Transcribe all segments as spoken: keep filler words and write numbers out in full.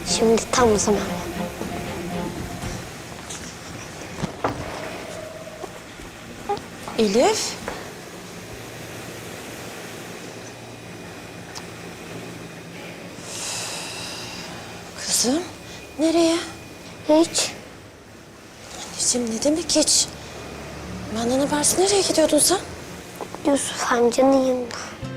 Şimdi tam o zaman. Elif. Kızım, nereye? Hiç. Anneciğim ne demek hiç? Benden habersiz nereye gidiyordun sen? Yusuf amcanın yanına.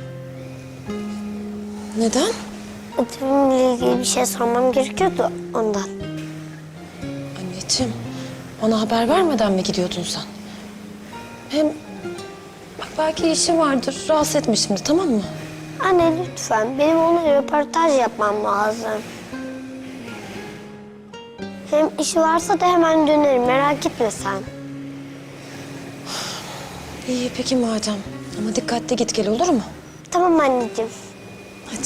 Neden? Ödevimle ilgili bir şey sormam gerekiyordu ondan. Anneciğim, ona haber vermeden mi gidiyordun sen? Hem bak belki işi vardır, rahatsız etme şimdi, tamam mı? Anne lütfen, benim ona röportaj yapmam lazım. Hem işi varsa da hemen dönerim, merak etme sen. İyi peki madem. Ama dikkatli git gel, olur mu? Tamam anneciğim. Hadi.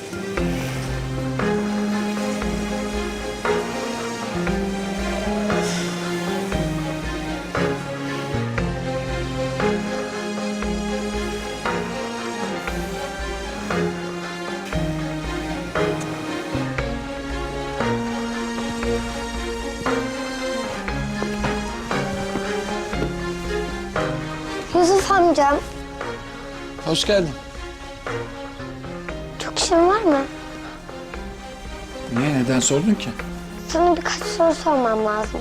Yusuf amcam, Hoş geldin. çok işin var mı? Niye, neden sordun ki? Sana birkaç soru sormam lazım.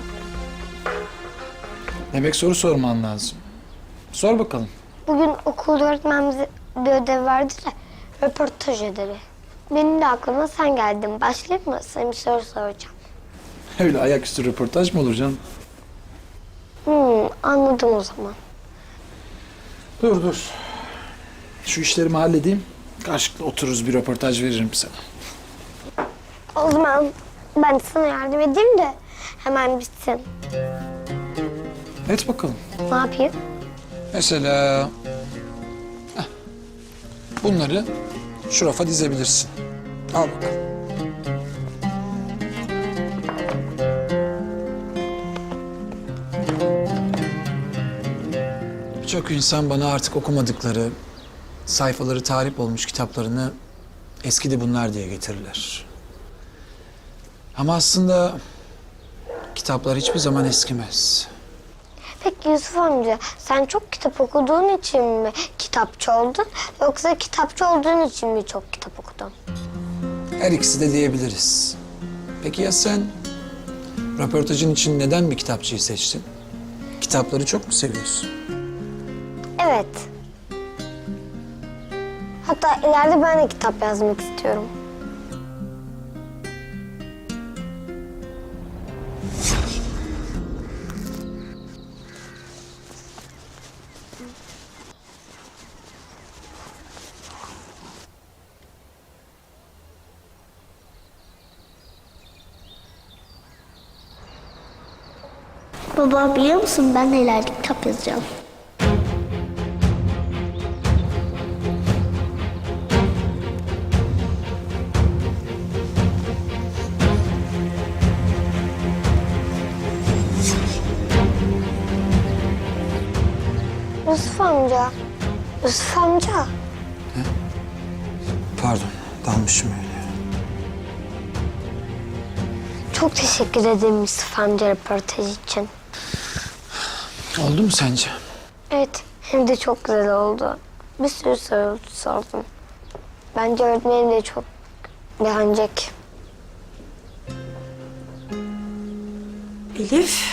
Demek soru sorman lazım. Sor bakalım. Bugün okulda öğretmenimize bir ödev verdi de röportaj ödevi. Benim de aklıma sen geldin. Başlayayım mı? Sana bir soru soracağım. Öyle ayaküstü röportaj mı olur canım? Hmm, anladım o zaman. Dur dur. Şu işlerimi halledeyim. Karşılıklı otururuz, bir röportaj veririm sana. O zaman ben de sana yardım edeyim de hemen bitsin. Et bakalım. Ne yapayım? Mesela... heh, bunları şu rafa dizebilirsin. Al bakalım. Birçok insan bana artık okumadıkları, sayfaları tarif olmuş kitaplarını eskidi bunlar diye getirirler. Ama aslında kitaplar hiçbir zaman eskimez. Peki Yusuf amca, sen çok kitap okuduğun için mi kitapçı oldun? Yoksa kitapçı olduğun için mi çok kitap okudun? Her ikisi de diyebiliriz. Peki ya sen röportajın için neden bir kitapçıyı seçtin? Kitapları çok mu seviyorsun? Evet. Hatta ileride ben de kitap yazmak istiyorum. Baba biliyor musun, ben de ileride kitap yazacağım. Yusuf amca, Yusuf amca. Pardon, dalmışım öyle. Çok teşekkür ederim Yusuf amca röportaj için. Oldu mu sence? Evet, hem de çok güzel oldu. Bir sürü soru sordum. Bence öğretmenim de çok beğenecek. Elif.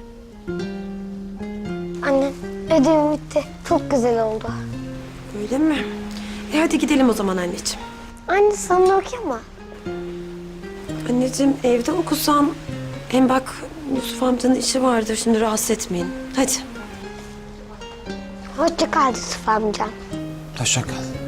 Anne, ödevim bitti. Çok güzel oldu. Öyle mi? E hadi gidelim o zaman anneciğim. Anne sana okuyama. Anneciğim evde okusam... Hem bak Yusuf amcanın işi vardır, şimdi rahatsız etmeyin. Hadi. Hoşça kal Yusuf amca. Hoşça kal.